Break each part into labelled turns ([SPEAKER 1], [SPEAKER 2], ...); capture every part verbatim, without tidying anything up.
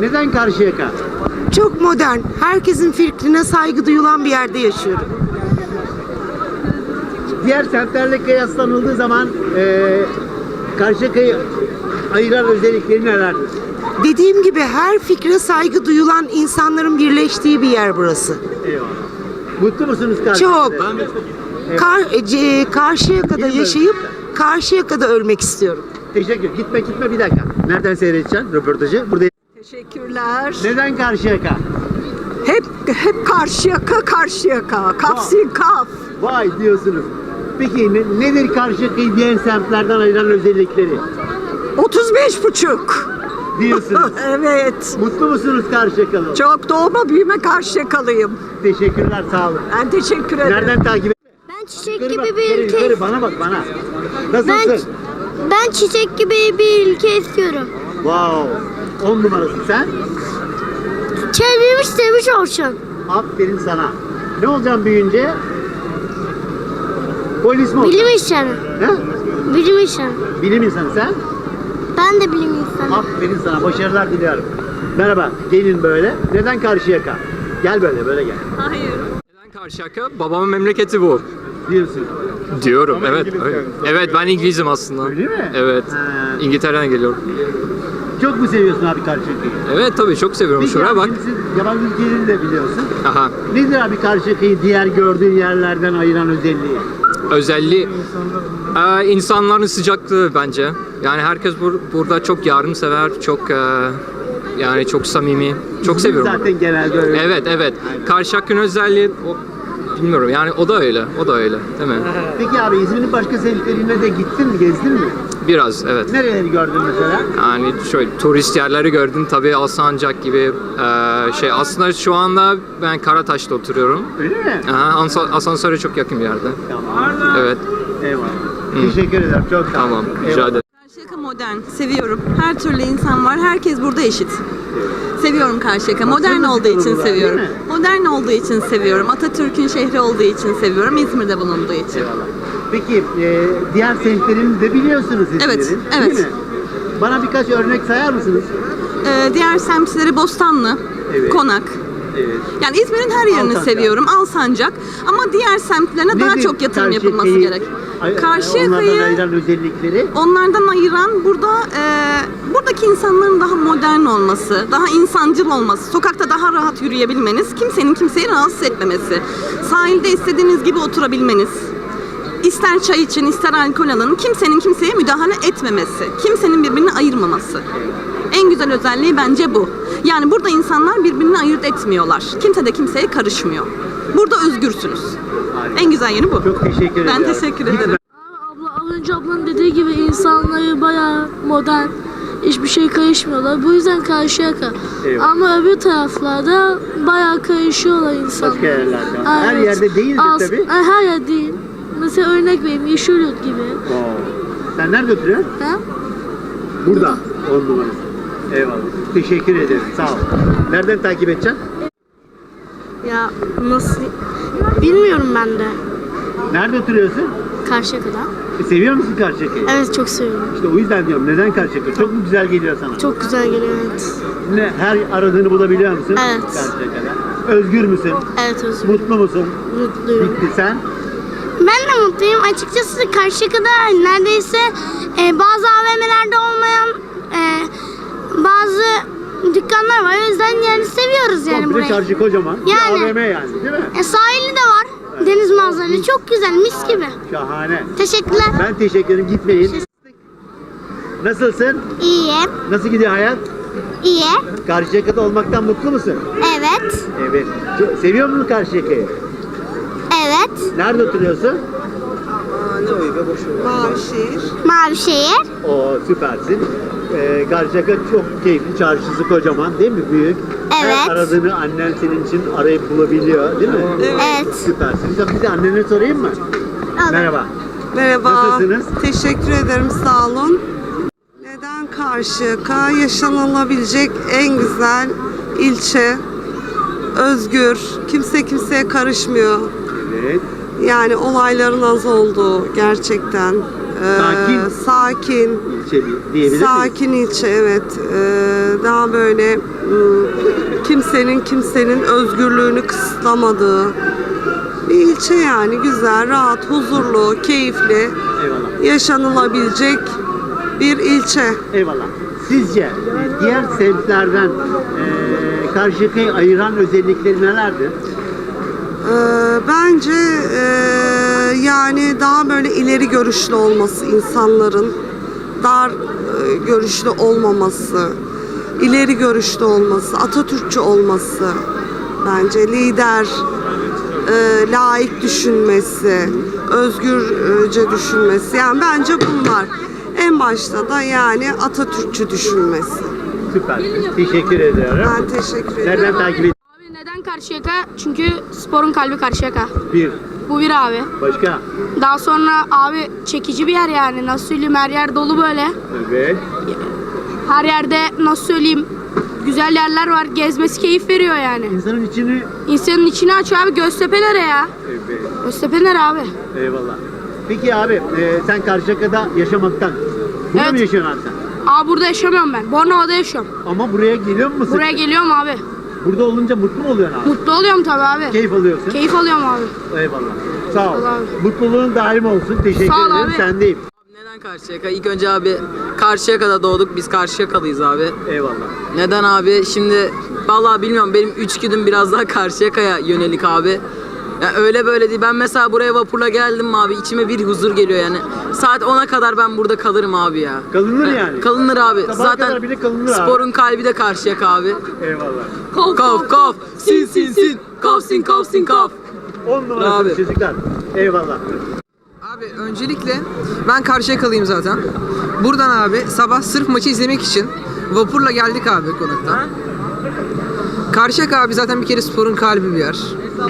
[SPEAKER 1] Neden Karşıyaka?
[SPEAKER 2] Çok modern, herkesin fikrine saygı duyulan bir yerde yaşıyorum.
[SPEAKER 1] Diğer semtlerle kıyaslanıldığı zaman e, Karşıyaka'yı ayıran özellikleri nelerdir?
[SPEAKER 2] Dediğim gibi her fikre saygı duyulan insanların birleştiği bir yer burası.
[SPEAKER 1] Eyvallah. Mutlu musunuz Karşıyaka'da?
[SPEAKER 2] Çok. Kar, e, c- Karşıyaka'da
[SPEAKER 1] Gidin
[SPEAKER 2] yaşayıp Karşıyaka'da ölmek istiyorum.
[SPEAKER 1] Teşekkür. Gitme gitme bir dakika. Nereden seyredeceksin röportajı? Burada.
[SPEAKER 3] Teşekkürler.
[SPEAKER 1] Neden Karşıyaka?
[SPEAKER 3] Hep hep Karşıyaka, Karşıyaka. Kafsin kaf.
[SPEAKER 1] Vay diyorsunuz. Peki ne, nedir Karşıyaka'yı diğer semtlerden ayıran özellikleri?
[SPEAKER 3] otuz beş buçuk.
[SPEAKER 1] Diyorsunuz.
[SPEAKER 3] Evet.
[SPEAKER 1] Mutlu musunuz Karşıyakalı?
[SPEAKER 3] Çok doğma büyüme Karşıyakalıyım.
[SPEAKER 1] Teşekkürler, sağ olun.
[SPEAKER 3] Ben teşekkür ederim.
[SPEAKER 1] Nereden takip et?
[SPEAKER 4] Ben çiçek
[SPEAKER 1] Yukarı bak,
[SPEAKER 4] gibi bir
[SPEAKER 1] yukarı,
[SPEAKER 4] ülke
[SPEAKER 1] yukarı, bana bak bana.
[SPEAKER 4] ben
[SPEAKER 1] Nasılsın?
[SPEAKER 4] ben çiçek gibi bir ülke istiyorum.
[SPEAKER 1] Wow. On numarası sen.
[SPEAKER 4] Çevirmiş sevmiş olsun.
[SPEAKER 1] Aferin sana. Ne olacaksın büyüyünce? Polis mi olacaksın?
[SPEAKER 4] Bilim insanı.
[SPEAKER 1] He?
[SPEAKER 4] Bilim insanı.
[SPEAKER 1] Bilim insanı sen.
[SPEAKER 4] Ben de bilim insanı.
[SPEAKER 1] Aferin sana. Başarılar diliyorum. Merhaba. Gelin böyle. Neden Karşıyaka? Gel böyle, böyle gel.
[SPEAKER 5] Neden Karşıyaka? Babamın memleketi bu.
[SPEAKER 1] Diyorsun.
[SPEAKER 5] Diyorum,
[SPEAKER 1] Ama
[SPEAKER 5] evet.
[SPEAKER 1] İngiliz
[SPEAKER 5] Evet,
[SPEAKER 1] yani.
[SPEAKER 5] evet ben İngilizim aslında.
[SPEAKER 1] Öyle mi?
[SPEAKER 5] Evet.
[SPEAKER 1] Ha.
[SPEAKER 5] İngiltere'den geliyorum.
[SPEAKER 1] Çok mu seviyorsun abi Karşıyaka'yı?
[SPEAKER 5] Evet tabii çok seviyorum.
[SPEAKER 1] Peki
[SPEAKER 5] Şuraya
[SPEAKER 1] abi,
[SPEAKER 5] bak.
[SPEAKER 1] şimdi siz yabancı ülkelerini de biliyorsun.
[SPEAKER 5] Aha.
[SPEAKER 1] Nedir abi Karşıyaka'yı diğer gördüğün yerlerden ayıran özelliği?
[SPEAKER 5] Özelliği e, insanların sıcaklığı bence. Yani herkes bur- burada çok yardımsever, çok e, yani çok samimi. Çok
[SPEAKER 1] İzmir
[SPEAKER 5] seviyorum.
[SPEAKER 1] Zaten genelde öyle.
[SPEAKER 5] Evet evet. Karşıyaka'nın özelliği o, bilmiyorum yani o da öyle. O da öyle değil mi?
[SPEAKER 1] Peki abi İzmir'in başka semtlerine de gittin mi, gezdin mi?
[SPEAKER 5] Biraz evet.
[SPEAKER 1] Nereleri gördün mesela?
[SPEAKER 5] Yani şöyle turist yerleri gördüm tabii Alsancak gibi eee, şey aslında şu anda ben Karataş'ta oturuyorum.
[SPEAKER 1] Öyle mi?
[SPEAKER 5] Aha, ansa- asansöre çok yakın bir yerde.
[SPEAKER 1] Tamam.
[SPEAKER 5] Evet.
[SPEAKER 1] Eyvallah. Teşekkür ederim. Çok sağ ol.
[SPEAKER 5] Tamam. Rica
[SPEAKER 1] Eyvallah.
[SPEAKER 5] ederim.
[SPEAKER 6] Karşıyaka modern, seviyorum. Her türlü insan var, herkes burada eşit. Seviyorum Karşıyaka. Modern
[SPEAKER 1] Baksana
[SPEAKER 6] olduğu için
[SPEAKER 1] burada,
[SPEAKER 6] seviyorum.
[SPEAKER 1] değil mi?
[SPEAKER 6] Modern olduğu için seviyorum. Atatürk'ün şehri olduğu için seviyorum. İzmir'de bulunduğu için.
[SPEAKER 1] Eyvallah. Peki e, diğer semtlerini de biliyorsunuz İzmir'in.
[SPEAKER 6] Evet,
[SPEAKER 1] değil
[SPEAKER 6] evet.
[SPEAKER 1] mi? Bana birkaç örnek sayar mısınız?
[SPEAKER 6] Ee, diğer semtleri Bostanlı,
[SPEAKER 1] Evet.
[SPEAKER 6] Konak.
[SPEAKER 1] Evet.
[SPEAKER 6] Yani İzmir'in her yerini
[SPEAKER 1] Alsancak.
[SPEAKER 6] seviyorum. Alsancak. Ama diğer semtlerine daha
[SPEAKER 1] Nedir
[SPEAKER 6] çok yatırım
[SPEAKER 1] Karşıyaka'yı
[SPEAKER 6] yapılması gerek.
[SPEAKER 1] ay- Onlardan
[SPEAKER 6] Karşıyaka'yı
[SPEAKER 1] ayıran özellikleri.
[SPEAKER 6] onlardan ayıran burada e, buradaki insanların daha modern olması, daha insancıl olması, sokakta daha rahat yürüyebilmeniz, kimsenin kimseyi rahatsız etmemesi, sahilde istediğiniz gibi oturabilmeniz, ister çay için ister alkol alın, kimsenin kimseye müdahale etmemesi, kimsenin birbirini ayırmaması. En güzel özelliği bence bu. Yani burada insanlar birbirini ayırt etmiyorlar. Kimse de kimseye karışmıyor. Burada özgürsünüz. En güzel yeri bu.
[SPEAKER 1] Çok teşekkür ederim.
[SPEAKER 6] Ben teşekkür ederim.
[SPEAKER 7] Abla, az önce ablanın dediği gibi insanları bayağı modern, hiçbir şey karışmıyorlar. Bu yüzden Karşıyaka.
[SPEAKER 1] Eyvallah.
[SPEAKER 7] Ama öbür taraflarda bayağı karışıyorlar insanlar.
[SPEAKER 1] Başka yerlerden. Her
[SPEAKER 7] Evet.
[SPEAKER 1] yerde değildir
[SPEAKER 7] Az-
[SPEAKER 1] tabii.
[SPEAKER 7] Ay, her yer değil. Mesela örnek vereyim, Yeşilyurt gibi.
[SPEAKER 1] Oo. Sen nerede oturuyorsun?
[SPEAKER 7] Ha?
[SPEAKER 1] Burada. On numarası. Eyvallah. Teşekkür ederim. Sağ ol. Nereden takip edeceksin?
[SPEAKER 4] Ya nasıl? Bilmiyorum ben de.
[SPEAKER 1] Nerede oturuyorsun?
[SPEAKER 4] Karşıyaka'da.
[SPEAKER 1] E, seviyor musun Karşıyaka'yı?
[SPEAKER 4] Evet çok seviyorum.
[SPEAKER 1] İşte o yüzden diyorum. Neden Karşıyaka? Çok mu güzel geliyor sana?
[SPEAKER 4] Çok güzel geliyor evet.
[SPEAKER 1] Ne, her aradığını bulabiliyor musun?
[SPEAKER 4] Evet.
[SPEAKER 1] Karşıyaka'da. Özgür müsün?
[SPEAKER 4] Evet özür
[SPEAKER 1] Mutlu musun?
[SPEAKER 4] mutluyum.
[SPEAKER 1] Bitti sen.
[SPEAKER 4] Ben de mutluyum. Açıkçası Karşıyaka'da neredeyse e, bazı A V M'lerde olmayan e, bazı dükkanlar var. O yüzden yani seviyoruz yani
[SPEAKER 1] Komple
[SPEAKER 4] burayı.
[SPEAKER 1] çarşı kocaman.
[SPEAKER 4] Yani.
[SPEAKER 1] Bir A V M yani değil mi?
[SPEAKER 4] E, sahili de var. Deniz manzaralı. Çok güzel. Mis gibi.
[SPEAKER 1] Şahane.
[SPEAKER 4] Teşekkürler.
[SPEAKER 1] Ben teşekkür ederim. Gitmeyin. Nasılsın?
[SPEAKER 4] İyi.
[SPEAKER 1] Nasıl gidiyor hayat?
[SPEAKER 4] İyi.
[SPEAKER 1] Karşıyaka'da olmaktan mutlu musun?
[SPEAKER 4] Evet.
[SPEAKER 1] Evet. Çok- Seviyor musun Karşıyaka'yı?
[SPEAKER 4] Evet.
[SPEAKER 1] Nerede oturuyorsun?
[SPEAKER 4] Mavişehir.
[SPEAKER 1] Oo süpersin. Ee, Karşıyaka çok keyifli. Çarşısı kocaman değil mi? Büyük.
[SPEAKER 4] Evet.
[SPEAKER 1] Her aradığını annen senin için arayıp bulabiliyor değil mi?
[SPEAKER 4] Evet.
[SPEAKER 1] Süpersin. Bir de annene sorayım mı? Merhaba.
[SPEAKER 3] Merhaba.
[SPEAKER 1] Nasılsınız?
[SPEAKER 3] Teşekkür ederim, sağ olun. Neden Karşıyaka? Yaşanılabilecek en güzel ilçe. Özgür, kimse kimseye karışmıyor.
[SPEAKER 1] Evet.
[SPEAKER 3] Yani olayların az olduğu gerçekten. Ee,
[SPEAKER 1] Sakin.
[SPEAKER 3] Sakin.
[SPEAKER 1] İlçe diyebilir miyiz?
[SPEAKER 3] Sakin ilçe evet. Ee, daha böyle ım, kimsenin kimsenin özgürlüğünü kısıtlamadığı bir ilçe yani. Güzel, rahat, huzurlu, keyifli,
[SPEAKER 1] Eyvallah.
[SPEAKER 3] yaşanılabilecek bir ilçe.
[SPEAKER 1] Eyvallah. Sizce e, diğer semtlerden e, Karşıyaka'yı ayıran özellikleri nelerdir?
[SPEAKER 3] Ee, bence e, yani daha böyle ileri görüşlü olması insanların, dar e, görüşlü olmaması, ileri görüşlü olması, Atatürkçü olması, bence lider, e, laik düşünmesi, özgürce düşünmesi. Yani bence bunlar. En başta da yani Atatürkçü düşünmesi.
[SPEAKER 1] Süper. Teşekkür ediyorum.
[SPEAKER 3] Ben teşekkür ederim.
[SPEAKER 1] Nereden takip ediyorsun?
[SPEAKER 4] Abi neden Karşıyaka? Çünkü sporun kalbi Karşıyaka.
[SPEAKER 1] Bir.
[SPEAKER 4] Bu bir abi.
[SPEAKER 1] Başka?
[SPEAKER 4] Daha sonra abi çekici bir yer yani. Nasıl söyleyeyim, her yer dolu böyle.
[SPEAKER 1] Evet.
[SPEAKER 4] Her yerde nasıl söyleyeyim güzel yerler var. Gezmesi keyif veriyor yani.
[SPEAKER 1] İnsanın içini...
[SPEAKER 4] İnsanın içini açıyor abi. Göztepe nere ya?
[SPEAKER 1] Evet.
[SPEAKER 4] Göztepe nere abi?
[SPEAKER 1] Eyvallah. Peki abi e, sen Karşıyaka'da yaşamaktan burada
[SPEAKER 4] Evet.
[SPEAKER 1] mı yaşıyorsun abi sen?
[SPEAKER 4] Abi burada yaşamıyorum ben. Bornova'da yaşıyorum.
[SPEAKER 1] Ama buraya geliyor musun?
[SPEAKER 4] Buraya geliyorum abi.
[SPEAKER 1] Burada olunca mutlu mu oluyorsun abi?
[SPEAKER 4] Mutlu oluyorum tabii abi.
[SPEAKER 1] Keyif alıyorsun.
[SPEAKER 4] Keyif alıyorum abi.
[SPEAKER 1] Eyvallah. Sağ ol.
[SPEAKER 4] Sağ ol abi.
[SPEAKER 1] Mutluluğun daim olsun. Teşekkür
[SPEAKER 4] Sağ ol
[SPEAKER 1] ederim.
[SPEAKER 4] abi.
[SPEAKER 1] Sendeyim.
[SPEAKER 8] Neden Karşıyaka? İlk önce abi Karşıyaka'da doğduk. Biz Karşıyakalıyız abi.
[SPEAKER 1] Eyvallah.
[SPEAKER 8] Neden abi? Şimdi vallahi bilmiyorum. Benim içgüdüm biraz daha Karşıyaka'ya yönelik abi. Ya öyle böyle değil. Ben mesela buraya vapurla geldim mi abi, içime bir huzur geliyor yani. Saat ona kadar ben burada kalırım abi ya.
[SPEAKER 1] Kalınır
[SPEAKER 8] Ya,
[SPEAKER 1] yani.
[SPEAKER 8] Kalınır abi.
[SPEAKER 1] Sabaha
[SPEAKER 8] Zaten
[SPEAKER 1] kadar bile kalınır abi.
[SPEAKER 8] sporun kalbi de Karşıyaka abi.
[SPEAKER 1] Eyvallah.
[SPEAKER 8] Kaf kaf sin sin sin kaf sin kaf sin kaf.
[SPEAKER 1] On numarası
[SPEAKER 8] Abi.
[SPEAKER 1] çocuklar. Eyvallah.
[SPEAKER 9] Abi öncelikle ben Karşıyakalıyım zaten. Buradan abi sabah sırf maçı izlemek için vapurla geldik abi konaktan. Karşıyaka abi zaten bir kere sporun kalbi bir yer.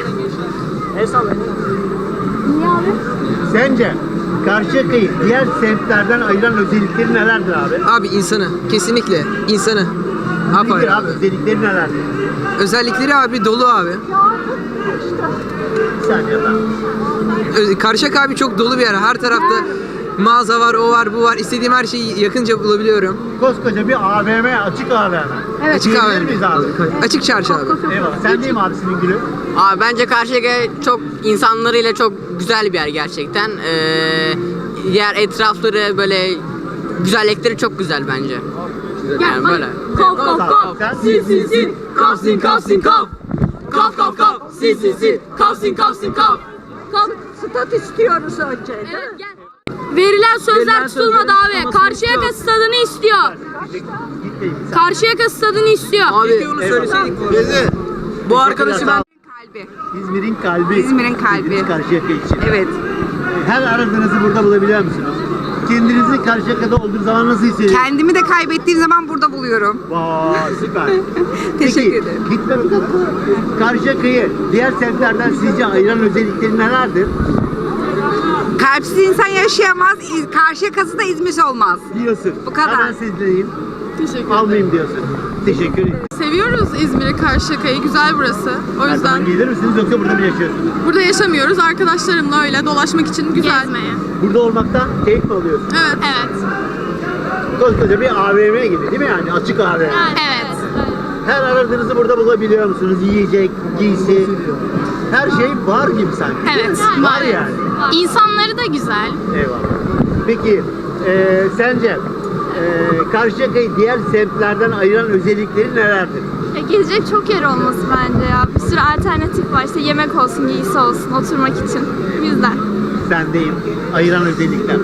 [SPEAKER 1] Sence Karşıyaka'yı diğer semtlerden ayıran özellikleri nelerdir abi?
[SPEAKER 9] Abi insanı, kesinlikle insanı. Apayrı
[SPEAKER 1] Nedir
[SPEAKER 9] abi.
[SPEAKER 1] abi? Özellikleri nelerdir?
[SPEAKER 9] Özellikleri abi dolu abi.
[SPEAKER 1] Bir saniye lan.
[SPEAKER 9] Öz- Karşıyaka abi çok dolu bir yer. Her tarafta mağaza var, o var, bu var. İstediğim her şeyi yakınca bulabiliyorum.
[SPEAKER 1] Koskoca bir A V M, açık A V M.
[SPEAKER 9] Açık
[SPEAKER 1] Diyebilir
[SPEAKER 9] abi.
[SPEAKER 1] miyiz abi?
[SPEAKER 9] Açık çarşı abi.
[SPEAKER 1] Eyvallah. Sen değil mi abisinin gülü?
[SPEAKER 8] Abi bence Karşıyaka çok insanlarıyla çok güzel bir yer gerçekten. Ee, yer etrafları böyle güzellikleri çok güzel bence. Yani böyle.
[SPEAKER 4] Kop kop kop.
[SPEAKER 1] Sen?
[SPEAKER 8] Sin sin sin kaf sin kaf sin kaf. Kaf kaf kaf sin sin sin kaf sin kaf sin kaf.
[SPEAKER 2] Stat istiyoruz önce.
[SPEAKER 4] Verilen sözler
[SPEAKER 8] Verilen
[SPEAKER 4] tutulmadı
[SPEAKER 8] sözlerin
[SPEAKER 4] abi.
[SPEAKER 8] tutulmasını
[SPEAKER 4] Karşıyaka
[SPEAKER 8] istiyor.
[SPEAKER 4] stadını istiyor.
[SPEAKER 1] Gitmeyin.
[SPEAKER 4] Karşıyaka stadını istiyor.
[SPEAKER 8] Abi
[SPEAKER 9] onu söyleseydik.
[SPEAKER 8] bu arkadaşı ben
[SPEAKER 1] İzmir'in kalbi.
[SPEAKER 2] İzmir'in kalbi.
[SPEAKER 1] Dediniz Karşıyaka için.
[SPEAKER 2] Evet.
[SPEAKER 1] Her aradığınızı burada bulabiliyor musunuz? Kendinizi Karşıyaka'da olduğu zaman nasıl hissediyorsunuz?
[SPEAKER 2] Kendimi de kaybettiğim zaman burada buluyorum.
[SPEAKER 1] Vay süper.
[SPEAKER 2] Teşekkür
[SPEAKER 1] Peki,
[SPEAKER 2] ederim.
[SPEAKER 1] Gitme bakalım. Karşıyaka'yı diğer semtlerden sizce ayıran özellikleri nelerdir?
[SPEAKER 2] Kalpsiz insan yaşayamaz. İz- Karşıyaka'sı da İzmir olmaz.
[SPEAKER 1] Diyorsun.
[SPEAKER 2] Bu kadar.
[SPEAKER 1] Hemen sizleyeyim.
[SPEAKER 10] Teşekkür
[SPEAKER 1] Almayayım diyorsun. Teşekkür ederim.
[SPEAKER 10] Seviyoruz İzmir'i, Karşıyaka'yı. Güzel burası. O
[SPEAKER 1] Her zaman
[SPEAKER 10] yüzden
[SPEAKER 1] gelir misiniz yoksa burada mı yaşıyorsunuz?
[SPEAKER 10] burada yaşamıyoruz. Arkadaşlarımla öyle dolaşmak için güzel.
[SPEAKER 1] Burada olmaktan keyif mi alıyorsun?
[SPEAKER 10] Evet. Evet.
[SPEAKER 1] Koskoca bir A V M gibi değil mi yani? Açık A V M.
[SPEAKER 4] Evet.
[SPEAKER 1] Her aradığınızı burada bulabiliyor musunuz? Yiyecek, giysi. Her şey var gibi sanki. değil
[SPEAKER 4] Evet,
[SPEAKER 1] mi? Var
[SPEAKER 4] var.
[SPEAKER 1] yani.
[SPEAKER 4] İnsanları da güzel.
[SPEAKER 1] Eyvallah. Peki e, sence e, Karşıyaka'yı diğer semtlerden ayıran özellikleri nelerdir?
[SPEAKER 11] Ya gezecek çok yer olması bence ya. Bir sürü alternatif var. İşte yemek olsun, giysi olsun, oturmak için. Bu yüzden.
[SPEAKER 1] Sendeyim. Ayıran özellikler.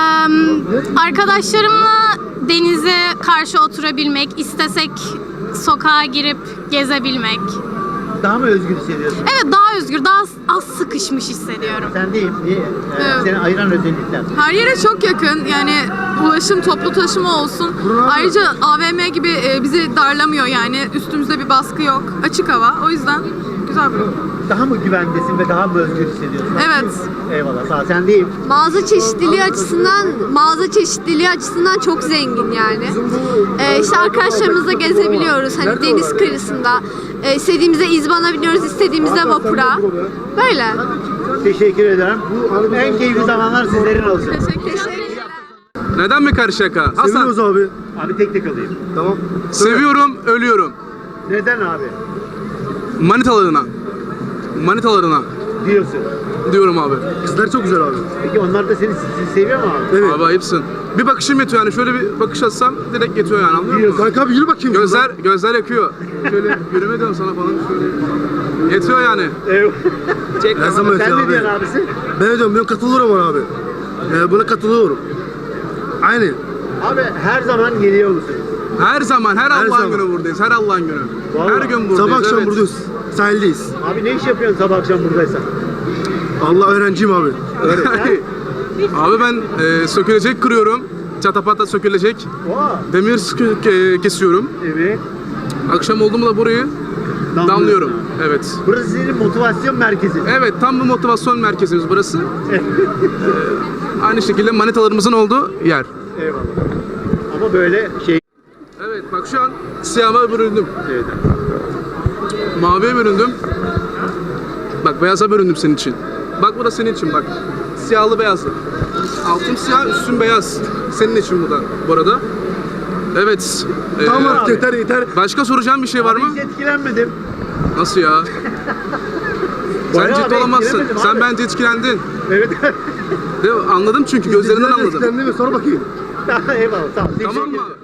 [SPEAKER 4] Arkadaşlarımla denize karşı oturabilmek, istesek sokağa girip gezebilmek.
[SPEAKER 1] Daha mı özgür hissediyorsun?
[SPEAKER 4] Evet, daha özgür, daha az sıkışmış hissediyorum.
[SPEAKER 1] Sendeyim. Niye? E,
[SPEAKER 10] Evet.
[SPEAKER 1] Seni ayıran özellikler.
[SPEAKER 10] Her yere çok yakın. Yani ulaşım, toplu taşıma olsun. Ayrıca A V M gibi e, bizi darlamıyor yani. Üstümüzde bir baskı yok. Açık hava. O yüzden güzel bir
[SPEAKER 1] Daha mı güvendesin ve daha mı özgür hissediyorsun?
[SPEAKER 10] Evet.
[SPEAKER 1] Eyvallah. Sağ ol. Sendeyim.
[SPEAKER 11] Mağaza çeşitliliği açısından, mağaza çeşitliliği açısından çok zengin yani. Ee, işte arkadaşlarımızla gezebiliyoruz. Hani deniz kıyısında. Ee, istediğimizde izbana biniyoruz, istediğimizde vapura. Böyle.
[SPEAKER 1] Teşekkür ederim. En keyifli zamanlar sizlerin olsun.
[SPEAKER 10] teşekkür ederim.
[SPEAKER 12] Neden mi Karşıyaka? Hasan.
[SPEAKER 13] Seviyoruz abi.
[SPEAKER 1] Abi tek tek alayım.
[SPEAKER 13] Tamam.
[SPEAKER 12] Seviyorum, ölüyorum.
[SPEAKER 1] Neden abi?
[SPEAKER 12] Manitalarına. Manitalarına
[SPEAKER 1] Diyorsun.
[SPEAKER 12] diyorum abi.
[SPEAKER 13] Kızlar çok güzel abi.
[SPEAKER 1] Peki onlar da seni sizi seviyor mu abi?
[SPEAKER 13] Evet.
[SPEAKER 12] Abi ayıpsın. Bir bakışım yetiyor yani. Şöyle bir bakış atsam direkt yetiyor yani, anlıyor musun?
[SPEAKER 13] Kanka abi yürü bakayım.
[SPEAKER 12] Gözler, gözler yakıyor. Şöyle yürüme diyorum sana falan. Şöyle. Yetiyor yani.
[SPEAKER 1] Evet.
[SPEAKER 12] Çek
[SPEAKER 13] Her zaman
[SPEAKER 1] Sen
[SPEAKER 13] yetiyor
[SPEAKER 1] ne
[SPEAKER 13] abi.
[SPEAKER 1] diyorsun abisi?
[SPEAKER 13] Ben diyorum ben katılıyorum ona abi. Ee, buna katılıyorum. Aynı.
[SPEAKER 1] Abi her zaman geliyor musun?
[SPEAKER 12] Her zaman, her,
[SPEAKER 13] Her
[SPEAKER 12] Allah'ın
[SPEAKER 13] zaman.
[SPEAKER 12] günü buradayız. Her Allah'ın günü.
[SPEAKER 1] Vallahi.
[SPEAKER 12] Her gün buradayız.
[SPEAKER 13] Sabah akşam
[SPEAKER 12] evet.
[SPEAKER 13] buradayız. Sahildeyiz.
[SPEAKER 1] Abi ne iş yapıyorsun sabah akşam buradaysan?
[SPEAKER 13] Allah öğrenciyim abi.
[SPEAKER 12] Abi ben e, sökülecek kırıyorum. Çatapata sökülecek.
[SPEAKER 1] Oha.
[SPEAKER 12] Demir sıkı- ke- kesiyorum.
[SPEAKER 1] Evet.
[SPEAKER 12] Akşam oldu mu da burayı damlıyorum. Evet.
[SPEAKER 1] Burası senin motivasyon merkezi.
[SPEAKER 12] Evet, tam bu motivasyon merkezimiz burası. Ee, aynı şekilde manitalarımızın olduğu yer.
[SPEAKER 1] Eyvallah. Ama böyle şey...
[SPEAKER 12] Evet, bak şu an siyahıma büründüm.
[SPEAKER 1] Evet.
[SPEAKER 12] Maviye büründüm. Bak beyaza büründüm senin için. Bak bu da senin için bak. Siyahlı beyazlı. Altım siyah, üstüm beyaz. Senin için bu da bu arada. Evet. ee,
[SPEAKER 13] Tamam artık yeter yeter.
[SPEAKER 12] Başka soracağım bir şey var mı?
[SPEAKER 1] Hiç etkilenmedim.
[SPEAKER 12] Nasıl ya? Sen
[SPEAKER 1] Bayağı
[SPEAKER 12] ciddi
[SPEAKER 1] abi
[SPEAKER 12] olamazsın.
[SPEAKER 1] etkilemedim
[SPEAKER 12] Sen
[SPEAKER 1] abi.
[SPEAKER 12] bence etkilendin.
[SPEAKER 1] Evet.
[SPEAKER 12] Değil mi? Anladım çünkü gözlerinden
[SPEAKER 13] İzleyiciler de
[SPEAKER 12] anladım.
[SPEAKER 13] etkilendi mi? Sor bakayım.
[SPEAKER 1] Eyvallah. Tamam.
[SPEAKER 12] Tamam
[SPEAKER 1] Teşekkür
[SPEAKER 12] mı
[SPEAKER 1] ederim.
[SPEAKER 12] abi?